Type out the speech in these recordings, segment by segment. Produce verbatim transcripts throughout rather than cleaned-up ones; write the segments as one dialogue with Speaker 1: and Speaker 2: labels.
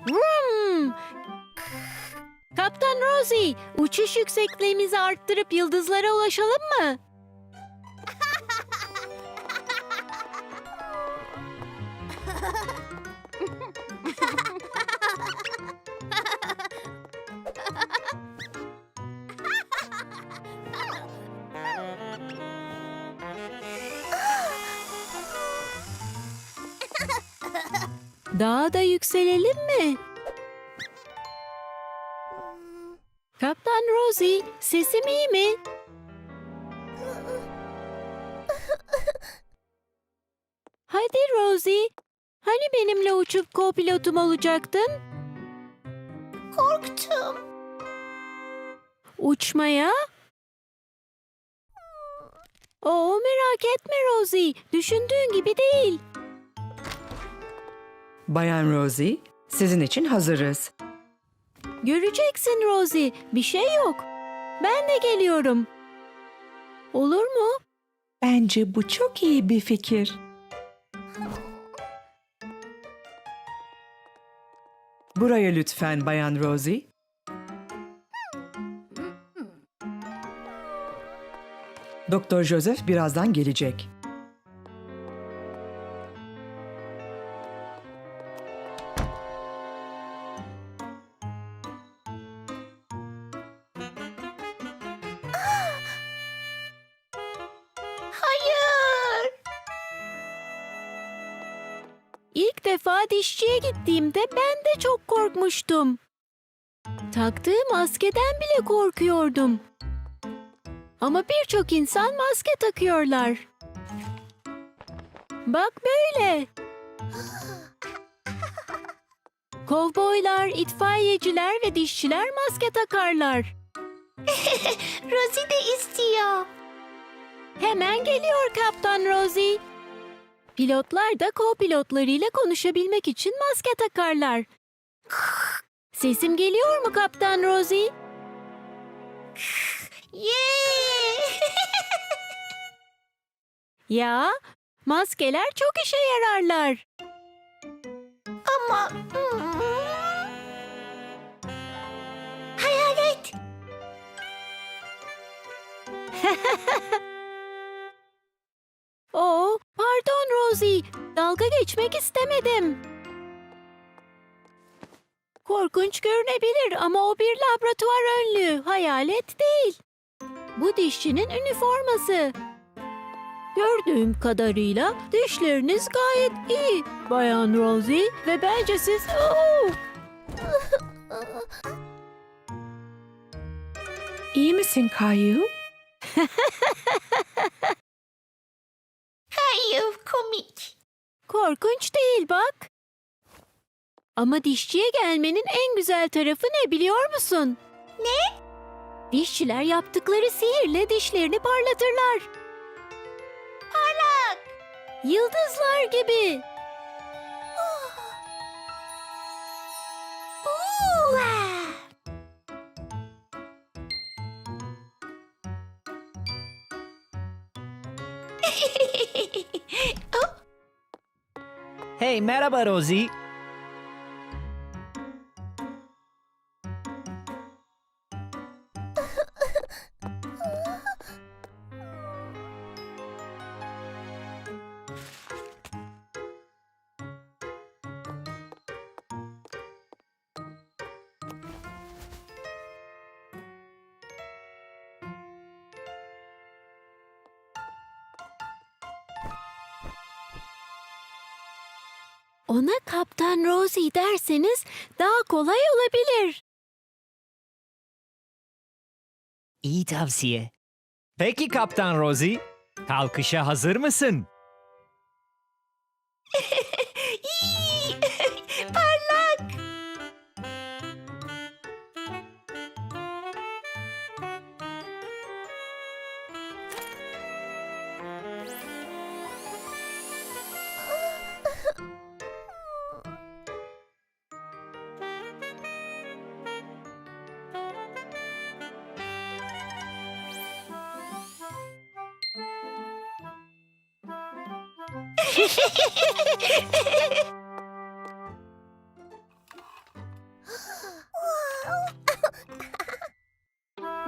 Speaker 1: Vroom! Kaptan Rosie, uçuş yüksekliğimizi arttırıp yıldızlara ulaşalım mı? Daha da yükselelim mi? Kaptan Rosie, sesim iyi mi? Hadi Rosie, hani benimle uçup co-pilotum olacaktın?
Speaker 2: Korktum.
Speaker 1: Uçmaya? Oo, merak etme Rosie, düşündüğün gibi değil.
Speaker 3: Bayan Rosie, sizin için hazırız.
Speaker 1: Göreceksin Rosie, bir şey yok. Ben de geliyorum. Olur mu?
Speaker 3: Bence bu çok iyi bir fikir. Buraya lütfen Bayan Rosie. Doktor Joseph birazdan gelecek.
Speaker 2: Hayır.
Speaker 1: İlk defa dişçiye gittiğimde ben de çok korkmuştum. Taktığım maskeden bile korkuyordum. Ama birçok insan maske takıyorlar. Bak böyle. Kovboylar, itfaiyeciler ve dişçiler maske takarlar.
Speaker 2: Rosie de istiyor.
Speaker 1: Hemen geliyor Kaptan Rosie. Pilotlar da co-pilotlarıyla konuşabilmek için maske takarlar. Sesim geliyor mu Kaptan Rosie?
Speaker 2: Yeah!
Speaker 1: Ya, maskeler çok işe yararlar.
Speaker 2: Ama... Hmm. Hayalet.
Speaker 1: Oo, pardon Rosie, dalga geçmek istemedim. Korkunç görünebilir ama o bir laboratuvar önlüğü, hayalet değil. Bu dişçinin üniforması. Gördüğüm kadarıyla dişleriniz gayet iyi, Bayan Rosie ve bence siz... Oo!
Speaker 3: İyi misin Kayu?
Speaker 2: Hayır, komik.
Speaker 1: Korkunç değil bak. Ama dişçiye gelmenin en güzel tarafı ne biliyor musun?
Speaker 2: Ne?
Speaker 1: Dişçiler yaptıkları sihirle dişlerini parlatırlar.
Speaker 2: Parlak.
Speaker 1: Yıldızlar gibi.
Speaker 2: Oo.
Speaker 4: Hey, merhaba Rosie.
Speaker 1: Ona Kaptan Rosie derseniz daha kolay olabilir.
Speaker 4: İyi tavsiye. Peki Kaptan Rosie, kalkışa hazır mısın?
Speaker 2: İyi. Parlak.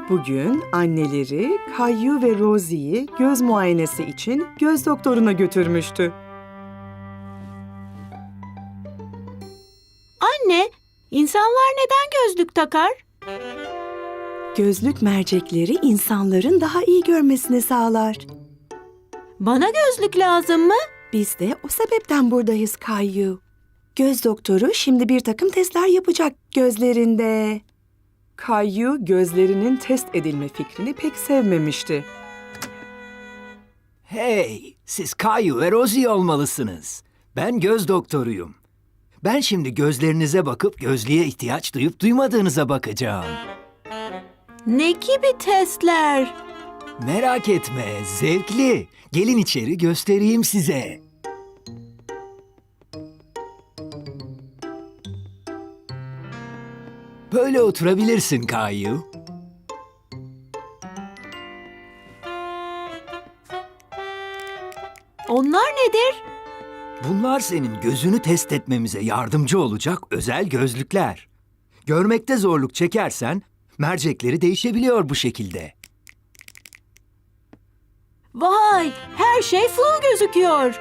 Speaker 3: Bugün anneleri Caillou ve Rosie'yi göz muayenesi için göz doktoruna götürmüştü.
Speaker 1: Anne, insanlar neden gözlük takar?
Speaker 3: Gözlük mercekleri insanların daha iyi görmesini sağlar.
Speaker 1: Bana gözlük lazım mı?
Speaker 3: Biz de o sebepten buradayız Caillou. Göz doktoru şimdi bir takım testler yapacak gözlerinde. Caillou gözlerinin test edilme fikrini pek sevmemişti.
Speaker 5: Hey, siz Caillou ve Rosie olmalısınız. Ben göz doktoruyum. Ben şimdi gözlerinize bakıp gözlüğe ihtiyaç duyup duymadığınıza bakacağım.
Speaker 1: Ne gibi testler?
Speaker 5: Merak etme, zevkli. Gelin içeri göstereyim size. Böyle oturabilirsin Caillou.
Speaker 1: Onlar nedir?
Speaker 5: Bunlar senin gözünü test etmemize yardımcı olacak özel gözlükler. Görmekte zorluk çekersen mercekleri değişebiliyor bu şekilde.
Speaker 1: Vay, her şey flu gözüküyor.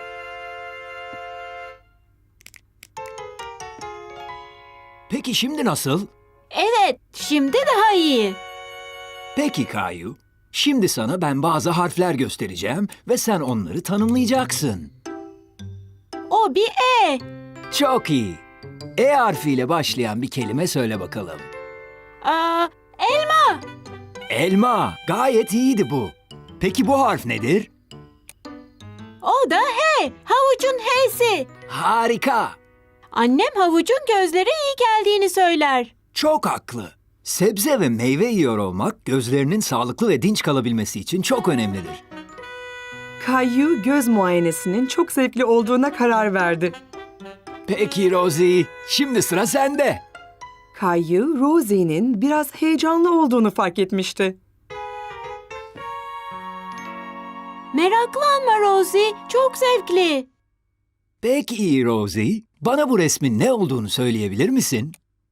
Speaker 5: Peki şimdi nasıl?
Speaker 1: Evet, şimdi daha iyi.
Speaker 5: Peki Caillou. Şimdi sana ben bazı harfler göstereceğim ve sen onları tanımlayacaksın.
Speaker 1: O bir E.
Speaker 5: Çok iyi. E harfiyle başlayan bir kelime söyle bakalım.
Speaker 1: Aa, elma.
Speaker 5: Elma. Gayet iyiydi bu. Peki bu harf nedir?
Speaker 1: O da H. Havucun H'si.
Speaker 5: Harika.
Speaker 1: Annem havucun gözlere iyi geldiğini söyler.
Speaker 5: Çok haklı. Sebze ve meyve yiyor olmak gözlerinin sağlıklı ve dinç kalabilmesi için çok önemlidir.
Speaker 3: Caillou göz muayenesinin çok zevkli olduğuna karar verdi.
Speaker 5: Peki Rosie, şimdi sıra sende.
Speaker 3: Caillou, Rosie'nin biraz heyecanlı olduğunu fark etmişti.
Speaker 1: Meraklanma Rosie, çok zevkli.
Speaker 5: Peki Rosie, bana bu resmin ne olduğunu söyleyebilir misin?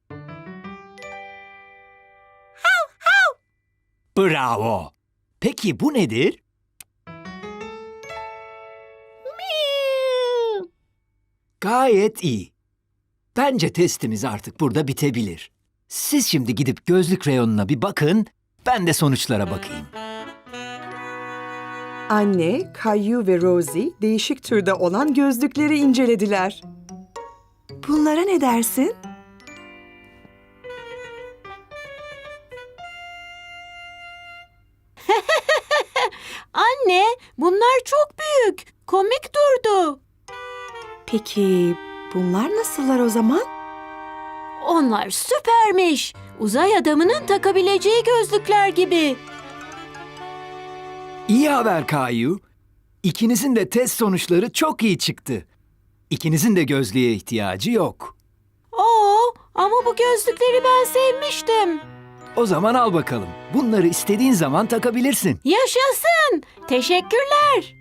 Speaker 5: Bravo. Peki bu nedir? Gayet iyi. Bence testimiz artık burada bitebilir. Siz şimdi gidip gözlük reyonuna bir bakın, ben de sonuçlara bakayım.
Speaker 3: Anne, Caillou ve Rosie değişik türde olan gözlükleri incelediler. Bunlara ne dersin?
Speaker 1: Anne, bunlar çok büyük. Komik durdu.
Speaker 3: Peki bunlar nasıllar o zaman?
Speaker 1: Onlar süpermiş. Uzay adamının takabileceği gözlükler gibi.
Speaker 5: İyi haber Caillou. İkinizin de test sonuçları çok iyi çıktı. İkinizin de gözlüğe ihtiyacı yok.
Speaker 1: Oo, ama bu gözlükleri ben sevmiştim.
Speaker 5: O zaman al bakalım. Bunları istediğin zaman takabilirsin.
Speaker 1: Yaşasın. Teşekkürler.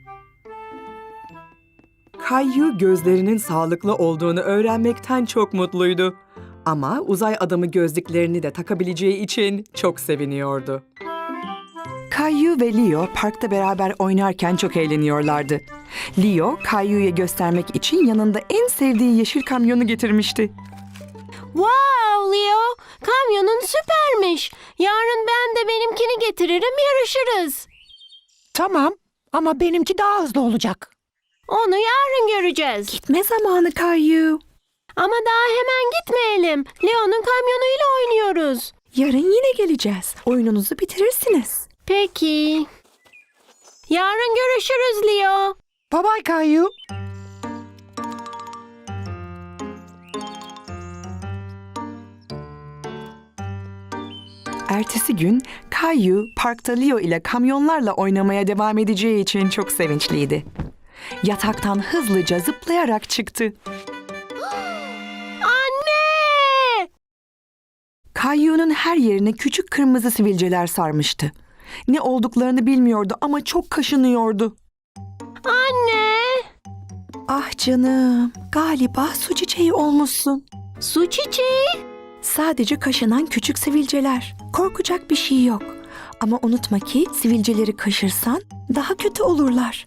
Speaker 3: Caillou gözlerinin sağlıklı olduğunu öğrenmekten çok mutluydu. Ama uzay adamı gözlüklerini de takabileceği için çok seviniyordu. Caillou ve Leo parkta beraber oynarken çok eğleniyorlardı. Leo, Caillou'ya göstermek için yanında en sevdiği yeşil kamyonu getirmişti.
Speaker 1: Wow Leo, kamyonun süpermiş. Yarın ben de benimkini getiririm, yarışırız.
Speaker 6: Tamam ama benimki daha hızlı olacak.
Speaker 1: Onu yarın göreceğiz.
Speaker 3: Gitme zamanı Caillou.
Speaker 1: Ama daha hemen gitmeyelim. Leo'nun kamyonuyla oynuyoruz.
Speaker 3: Yarın yine geleceğiz. Oyununuzu bitirirsiniz.
Speaker 1: Peki. Yarın görüşürüz Leo.
Speaker 6: Bye bye Caillou.
Speaker 3: Ertesi gün Caillou parkta Leo ile kamyonlarla oynamaya devam edeceği için çok sevinçliydi. Yataktan hızlıca zıplayarak çıktı.
Speaker 1: Anne!
Speaker 3: Caillou'nun her yerine küçük kırmızı sivilceler sarmıştı. Ne olduklarını bilmiyordu ama çok kaşınıyordu.
Speaker 1: Anne!
Speaker 3: Ah canım, galiba su çiçeği olmuşsun.
Speaker 1: Su çiçeği.
Speaker 3: Sadece kaşınan küçük sivilceler. Korkacak bir şey yok.
Speaker 7: Ama unutma ki sivilceleri kaşırsan daha kötü olurlar.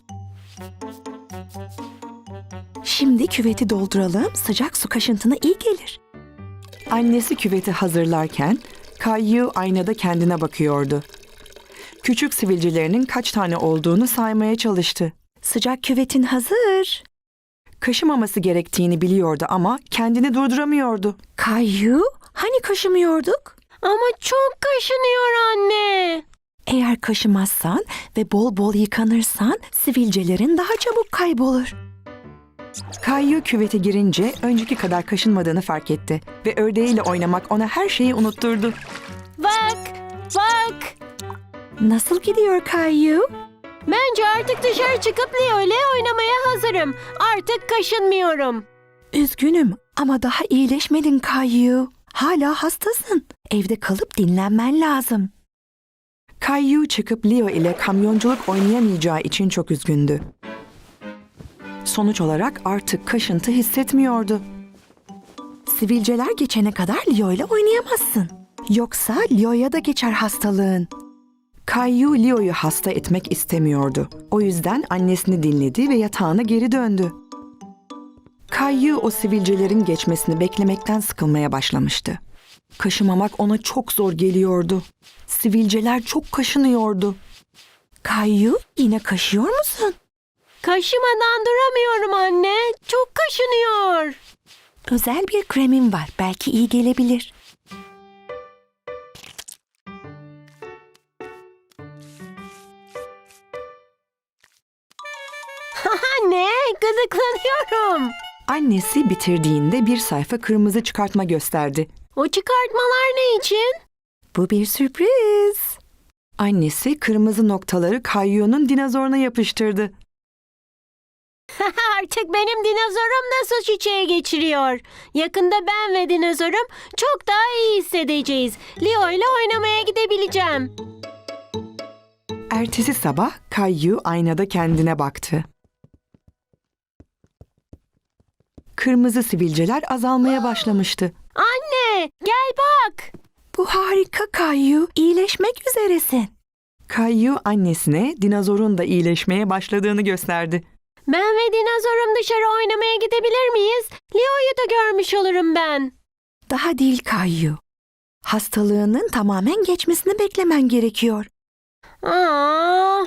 Speaker 7: Şimdi küveti dolduralım, sıcak su kaşıntına iyi gelir.
Speaker 3: Annesi küveti hazırlarken Kayu aynada kendine bakıyordu. Küçük sivilcelerinin kaç tane olduğunu saymaya çalıştı.
Speaker 7: Sıcak küvetin hazır.
Speaker 3: Kaşımaması gerektiğini biliyordu ama kendini durduramıyordu.
Speaker 7: Kayu, hani kaşımıyorduk?
Speaker 1: Ama çok kaşınıyor anne.
Speaker 7: Eğer kaşımazsan ve bol bol yıkanırsan sivilcelerin daha çabuk kaybolur.
Speaker 3: Kayu küvete girince önceki kadar kaşınmadığını fark etti ve ördeğiyle oynamak ona her şeyi unutturdu.
Speaker 1: Bak, bak.
Speaker 7: Nasıl gidiyor Kayu?
Speaker 1: Bence artık dışarı çıkıp Leo ile oynamaya hazırım. Artık kaşınmıyorum.
Speaker 7: Üzgünüm ama daha iyileşmedin Kayu. Hala hastasın. Evde kalıp dinlenmen lazım.
Speaker 3: Kayu çıkıp Leo ile kamyonculuk oynayamayacağı için çok üzgündü. Sonuç olarak artık kaşıntı hissetmiyordu.
Speaker 7: Sivilceler geçene kadar Leo ile oynayamazsın. Yoksa Leo'ya da geçer hastalığın.
Speaker 3: Kayu Leo'yu hasta etmek istemiyordu. O yüzden annesini dinledi ve yatağına geri döndü. Kayu o sivilcelerin geçmesini beklemekten sıkılmaya başlamıştı. Kaşımamak ona çok zor geliyordu. Sivilceler çok kaşınıyordu.
Speaker 7: Kayu, yine kaşıyor musun?
Speaker 1: Kaşımadan duramıyorum anne. Çok kaşınıyor.
Speaker 7: Özel bir kremim var. Belki iyi gelebilir.
Speaker 1: Anne, gıdıklanıyorum.
Speaker 3: Annesi bitirdiğinde bir sayfa kırmızı çıkartma gösterdi.
Speaker 1: O çıkartmalar ne için?
Speaker 7: Bu bir sürpriz.
Speaker 3: Annesi kırmızı noktaları Kayu'nun dinozoruna yapıştırdı.
Speaker 1: Artık benim dinozorum da su çiçeği geçiriyor. Yakında ben ve dinozorum çok daha iyi hissedeceğiz. Leo ile oynamaya gidebileceğim.
Speaker 3: Ertesi sabah Kayu aynada kendine baktı. Kırmızı sivilceler azalmaya başlamıştı.
Speaker 1: Anne, gel bak.
Speaker 7: Bu harika Kayu. İyileşmek üzeresin.
Speaker 3: Kayu annesine dinozorun da iyileşmeye başladığını gösterdi.
Speaker 1: Ben ve dinozorum dışarı oynamaya gidebilir miyiz? Leo'yu da görmüş olurum ben.
Speaker 7: Daha değil Kayu. Hastalığının tamamen geçmesini beklemen gerekiyor.
Speaker 1: Aa.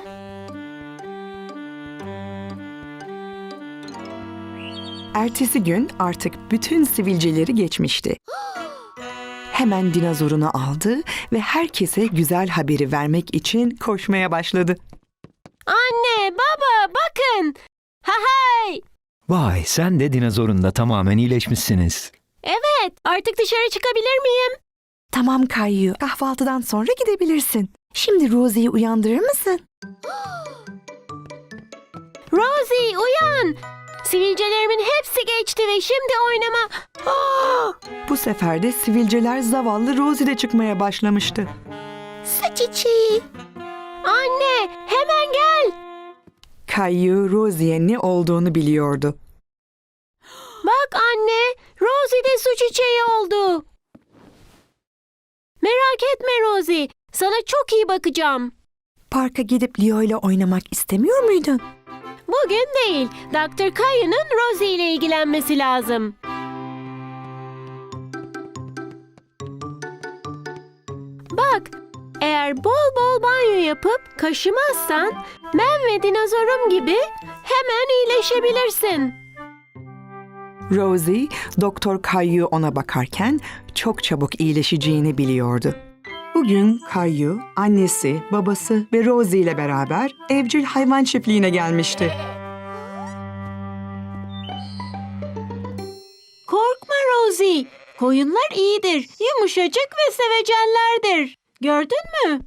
Speaker 3: Ertesi gün artık bütün sivilceleri geçmişti. Hemen dinozorunu aldı ve herkese güzel haberi vermek için koşmaya başladı.
Speaker 1: Anne, baba, bakın. Ha hay.
Speaker 5: Vay, sen de dinozorun da tamamen iyileşmişsiniz.
Speaker 1: Evet, artık dışarı çıkabilir miyim?
Speaker 7: Tamam Kayu. Kahvaltıdan sonra gidebilirsin. Şimdi Rosie'yi uyandırır mısın?
Speaker 1: Rosie, uyan. Sivilcelerimin hepsi geçti ve şimdi oynama... Aa!
Speaker 3: Bu sefer de sivilceler zavallı Rosie'de çıkmaya başlamıştı.
Speaker 1: Su çiçeği. Anne, hemen gel.
Speaker 3: Kayu Rosie'ye ne olduğunu biliyordu.
Speaker 1: Bak anne, Rosie de su çiçeği oldu. Merak etme Rosie, sana çok iyi bakacağım.
Speaker 7: Parka gidip Leo ile oynamak istemiyor muydun?
Speaker 1: Bugün değil, doktor Kayu'nun Rosie ile ilgilenmesi lazım. Bak, eğer bol bol banyo yapıp kaşımazsan ben ve dinozorum gibi hemen iyileşebilirsin.
Speaker 3: Rosie, Doktor Kayu ona bakarken çok çabuk iyileşeceğini biliyordu. Bugün Kayu, annesi, babası ve Rosie ile beraber evcil hayvan çiftliğine gelmişti.
Speaker 1: Korkma Rosie, koyunlar iyidir, yumuşacık ve sevecenlerdir. Gördün mü?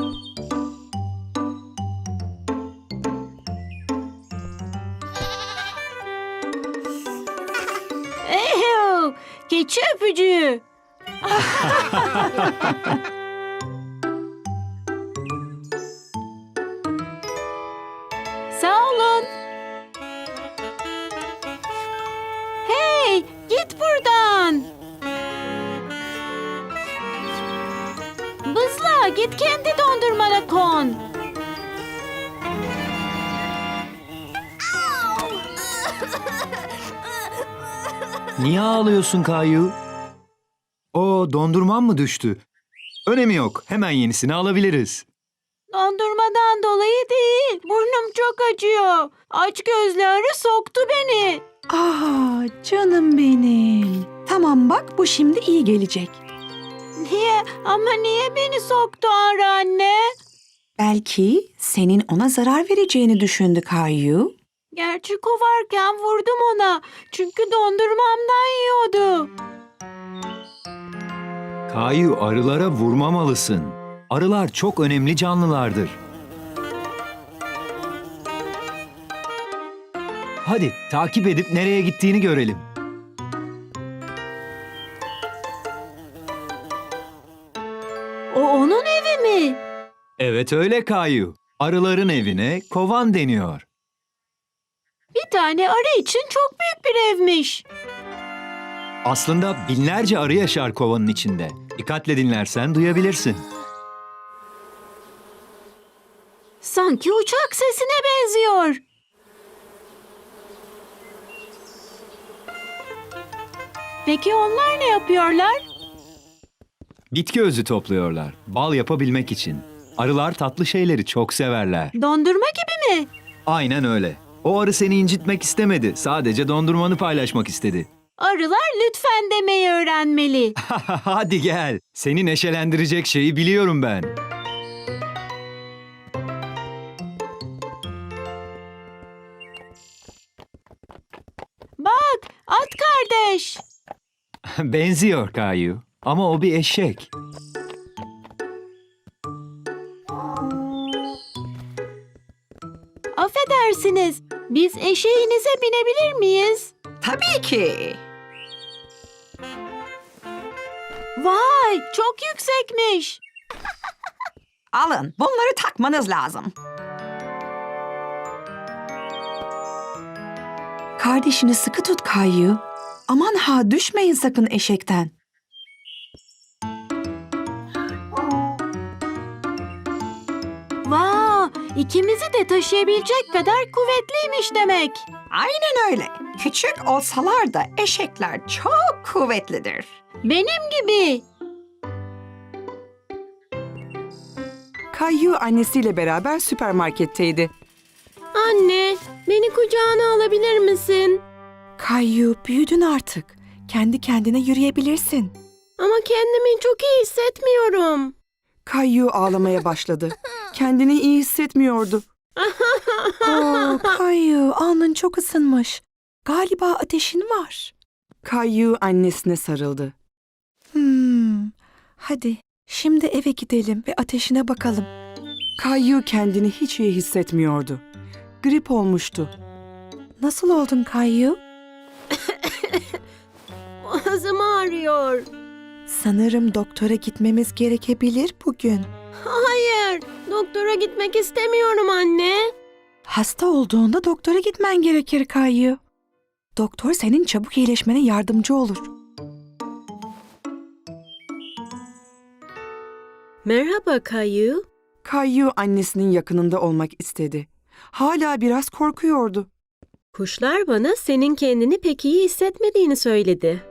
Speaker 1: Eyo, keçi öpücüğü. Sağ olun. Hey, git buradan. Bızla. Kaya, git kendi dondurmana kon.
Speaker 5: Niye ağlıyorsun Kayu? O dondurman mı düştü? Önemi yok. Hemen yenisini alabiliriz.
Speaker 1: Dondurmadan dolayı değil. Burnum çok acıyor. Aç gözlü arı soktu beni.
Speaker 7: Ah canım benim. Tamam bak bu şimdi iyi gelecek.
Speaker 1: Niye? Ama niye beni soktu arı anne?
Speaker 7: Belki senin ona zarar vereceğini düşündü Kayu.
Speaker 1: Gerçi kovarken vurdum ona. Çünkü dondurmamdan yiyordu.
Speaker 5: Kayu, arılara vurmamalısın. Arılar çok önemli canlılardır. Hadi takip edip nereye gittiğini görelim.
Speaker 1: O onun evi mi?
Speaker 5: Evet öyle Kayu. Arıların evine kovan deniyor.
Speaker 1: Bir tane arı için çok büyük bir evmiş.
Speaker 5: Aslında binlerce arı yaşar kovanın içinde. Dikkatle dinlersen duyabilirsin.
Speaker 1: Sanki uçak sesine benziyor. Peki onlar ne yapıyorlar?
Speaker 5: Bitki özü topluyorlar. Bal yapabilmek için. Arılar tatlı şeyleri çok severler.
Speaker 1: Dondurma gibi mi?
Speaker 5: Aynen öyle. O arı seni incitmek istemedi. Sadece dondurmanı paylaşmak istedi.
Speaker 1: Arılar lütfen demeyi öğrenmeli.
Speaker 5: Hadi gel. Seni neşelendirecek şeyi biliyorum ben.
Speaker 1: Bak, at kardeş.
Speaker 5: Benziyor Kayu. Ama o bir eşek.
Speaker 1: Affedersiniz, biz eşeğinize binebilir miyiz?
Speaker 7: Tabii ki.
Speaker 1: Vay, çok yüksekmiş.
Speaker 7: Alın bunları takmanız lazım. Kardeşini sıkı tut Kayu. Aman ha düşmeyin sakın eşekten.
Speaker 1: Vay, ikimizi de taşıyabilecek kadar kuvvetliymiş demek.
Speaker 7: Aynen öyle. Küçük olsalar da eşekler çok kuvvetlidir.
Speaker 1: Benim gibi.
Speaker 3: Kayu annesiyle beraber süpermarketteydi.
Speaker 1: Anne, beni kucağına alabilir misin?
Speaker 7: Kayu büyüdün artık. Kendi kendine yürüyebilirsin.
Speaker 1: Ama kendimi çok iyi hissetmiyorum.
Speaker 3: Kayu ağlamaya başladı. Kendini iyi hissetmiyordu.
Speaker 7: Oo, Kayu alnın çok ısınmış. Galiba ateşin var.
Speaker 3: Kayu annesine sarıldı.
Speaker 7: Hmm, hadi şimdi eve gidelim ve ateşine bakalım.
Speaker 3: Kayu kendini hiç iyi hissetmiyordu. Grip olmuştu.
Speaker 7: Nasıl oldun Kayu?
Speaker 1: Boğazım ağrıyor.
Speaker 7: Sanırım doktora gitmemiz gerekebilir bugün.
Speaker 1: Hayır, doktora gitmek istemiyorum anne.
Speaker 7: Hasta olduğunda doktora gitmen gerekir Kayu. Doktor senin çabuk iyileşmene yardımcı olur.
Speaker 1: Merhaba Kayu.
Speaker 3: Kayu annesinin yakınında olmak istedi. Hala biraz korkuyordu.
Speaker 8: Kuşlar bana senin kendini pek iyi hissetmediğini söyledi.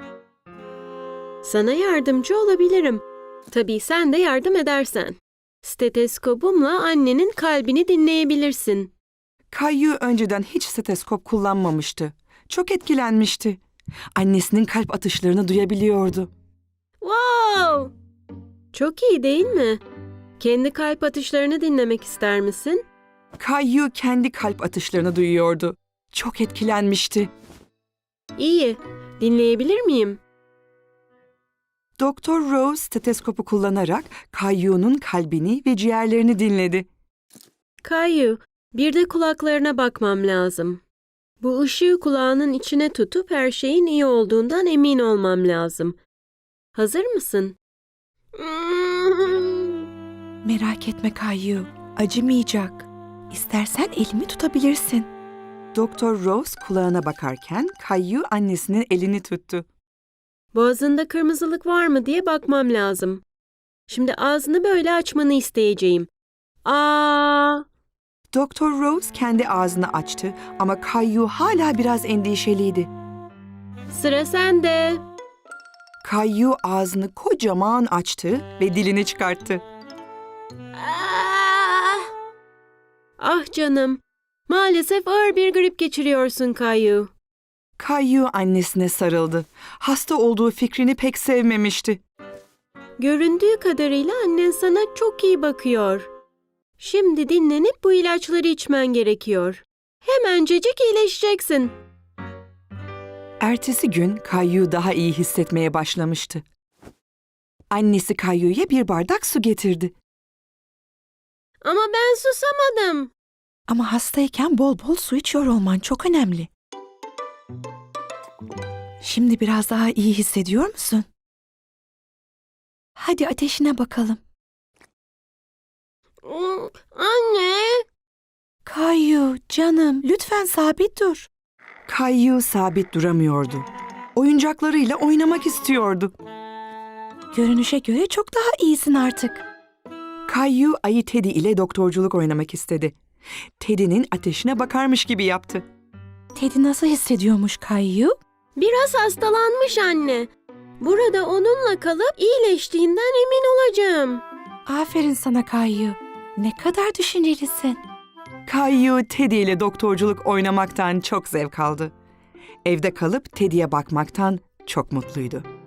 Speaker 8: Sana yardımcı olabilirim. Tabii sen de yardım edersen. Steteskopumla annenin kalbini dinleyebilirsin.
Speaker 3: Kayu önceden hiç steteskop kullanmamıştı. Çok etkilenmişti. Annesinin kalp atışlarını duyabiliyordu.
Speaker 8: Wow! Çok iyi değil mi? Kendi kalp atışlarını dinlemek ister misin?
Speaker 3: Kayu kendi kalp atışlarını duyuyordu. Çok etkilenmişti.
Speaker 8: İyi. Dinleyebilir miyim?
Speaker 3: Doktor Rose steteskopu kullanarak Kayu'nun kalbini ve ciğerlerini dinledi.
Speaker 8: Kayu, bir de kulaklarına bakmam lazım. Bu ışığı kulağının içine tutup her şeyin iyi olduğundan emin olmam lazım. Hazır mısın?
Speaker 7: Merak etme Kayu, acımayacak. İstersen elimi tutabilirsin.
Speaker 3: Doktor Rose kulağına bakarken Kayu annesinin elini tuttu.
Speaker 8: Boğazında kırmızılık var mı diye bakmam lazım. Şimdi ağzını böyle açmanı isteyeceğim. Aa!
Speaker 3: Doktor Rose kendi ağzını açtı ama Kayu hala biraz endişeliydi.
Speaker 8: Sıra sende.
Speaker 3: Kayu ağzını kocaman açtı ve dilini çıkarttı.
Speaker 2: Ah,
Speaker 8: Ah canım. Maalesef ağır bir grip geçiriyorsun Kayu.
Speaker 3: Kayu annesine sarıldı. Hasta olduğu fikrini pek sevmemişti.
Speaker 8: Göründüğü kadarıyla annen sana çok iyi bakıyor. Şimdi dinlenip bu ilaçları içmen gerekiyor. Hemencecik iyileşeceksin.
Speaker 3: Ertesi gün Kayu daha iyi hissetmeye başlamıştı. Annesi Kayu'ya bir bardak su getirdi.
Speaker 8: Ama ben susamadım.
Speaker 7: Ama hastayken bol bol su içiyor olman çok önemli. Şimdi biraz daha iyi hissediyor musun? Hadi ateşine bakalım.
Speaker 8: Hmm, Anne.
Speaker 7: Kayu, canım, lütfen sabit dur.
Speaker 3: Kayu sabit duramıyordu. Oyuncaklarıyla oynamak istiyordu.
Speaker 7: Görünüşe göre çok daha iyisin artık.
Speaker 3: Kayu ayı Teddy ile doktorculuk oynamak istedi. Teddy'nin ateşine bakarmış gibi yaptı.
Speaker 7: Teddy nasıl hissediyormuş Kayu?
Speaker 8: Biraz hastalanmış anne. Burada onunla kalıp iyileştiğinden emin olacağım.
Speaker 7: Aferin sana Kayu. Ne kadar düşüncelisin.
Speaker 3: Kayu Teddy ile doktorculuk oynamaktan çok zevk aldı. Evde kalıp Teddy'ye bakmaktan çok mutluydu.